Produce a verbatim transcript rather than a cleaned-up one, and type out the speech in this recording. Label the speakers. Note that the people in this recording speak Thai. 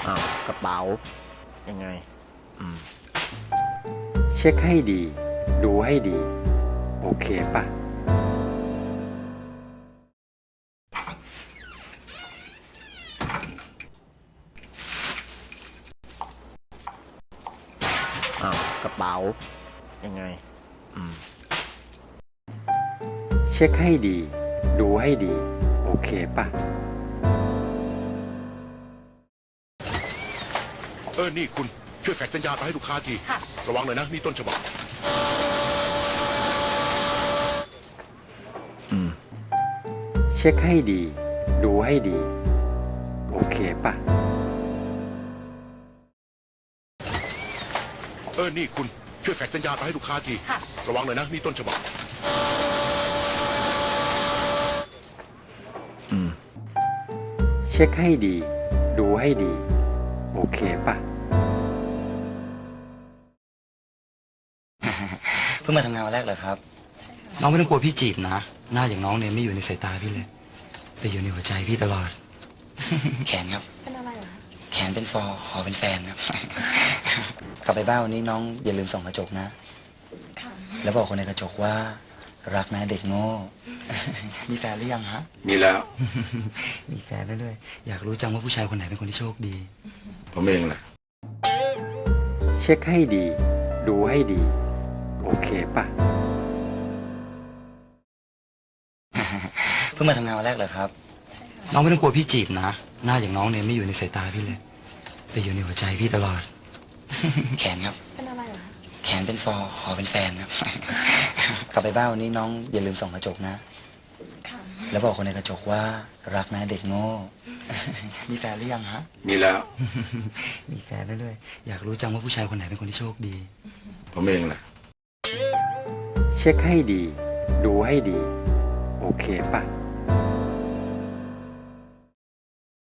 Speaker 1: อ้าวกระเป๋ายังไงอืม
Speaker 2: เช็คให้ดี ดูให้ดี โอเคปะ
Speaker 1: อ้าวกระเป๋ายังไงอืม
Speaker 2: เช็คให้ดี ดูให้ดี โอเคปะ
Speaker 3: เออ นี่คุณช่วยแฟกซ์สัญญาไปให้ลูกค้าที ระวังหน่อยนะ นี่ต้นฉบับ
Speaker 1: อืม
Speaker 2: เช็คให้ดี ดูให้ดี โอเคปะ
Speaker 3: เออ นี่คุณช่วยแฟกซ์สัญญาไปให้ลูกค้าที ระวังหน่อยนะ นี่ต้นฉบับ
Speaker 1: อืม
Speaker 2: เช็คให้ดี ดูให้ดี โอเคปะ
Speaker 4: เพิ่งมาทำงานวันแรกเหรอครับ
Speaker 5: น้องไม่ต้องกลัวพี่จีบนะ หน้าอย่างน้องเนี่ยไม่อยู่ในสายตาพี่เลย แต่อยู่ในหัวใจพี่ตลอด
Speaker 4: แขนครับ
Speaker 6: เป็นอะไรเหรอ
Speaker 4: แขนเป็นฟอขอเป็นแฟนครับ กลับไปบ้านวันนี้น้องอย่าลืมส่องกระจกนะ
Speaker 6: ค่ะ
Speaker 4: แล้วบอกคนในกระจกว่า รักนะเด็กโง่ มีแฟนหรือยังฮะ
Speaker 3: มีแล้ว
Speaker 5: มีแฟนแล้วด้วย อยากรู้จังว่าผู้ชายคนไหนเป็นคนที่โชคดี
Speaker 3: ผมเองแหละ
Speaker 2: เช็คให้ดี ดูให้ดี โอเคปะ
Speaker 4: เพิ่งมาทำงานวันแรกเหรอครับ
Speaker 5: น้องไม่ต้องกลัวพี่จีบนะ หน้าอย่างน้องเนี่ยไม่อยู่ในสายตาพี่เลย แต่อยู่ในหัวใจพี่ตลอด
Speaker 4: แขนครับ
Speaker 6: เป็นอะไรเหรอ
Speaker 4: แขนเป็นฟอขอเป็นแฟนครับ กลับไปบ้านวันนี้น้องอย่าลืมส่องกระจกนะ
Speaker 6: ค่ะ
Speaker 4: แล้วบอกคนในกระจกว่า รักนะเด็กโง่ มีแฟนหรือยังฮะ
Speaker 3: มีแล้ว
Speaker 5: มีแฟนแล้วด้วย อยากรู้จังว่าผู้ชายคนไหนเป็นคนที่โชคดี
Speaker 3: ผมเองแหละ
Speaker 2: เช็คให้ดี ดูให้ดี โอเคปะ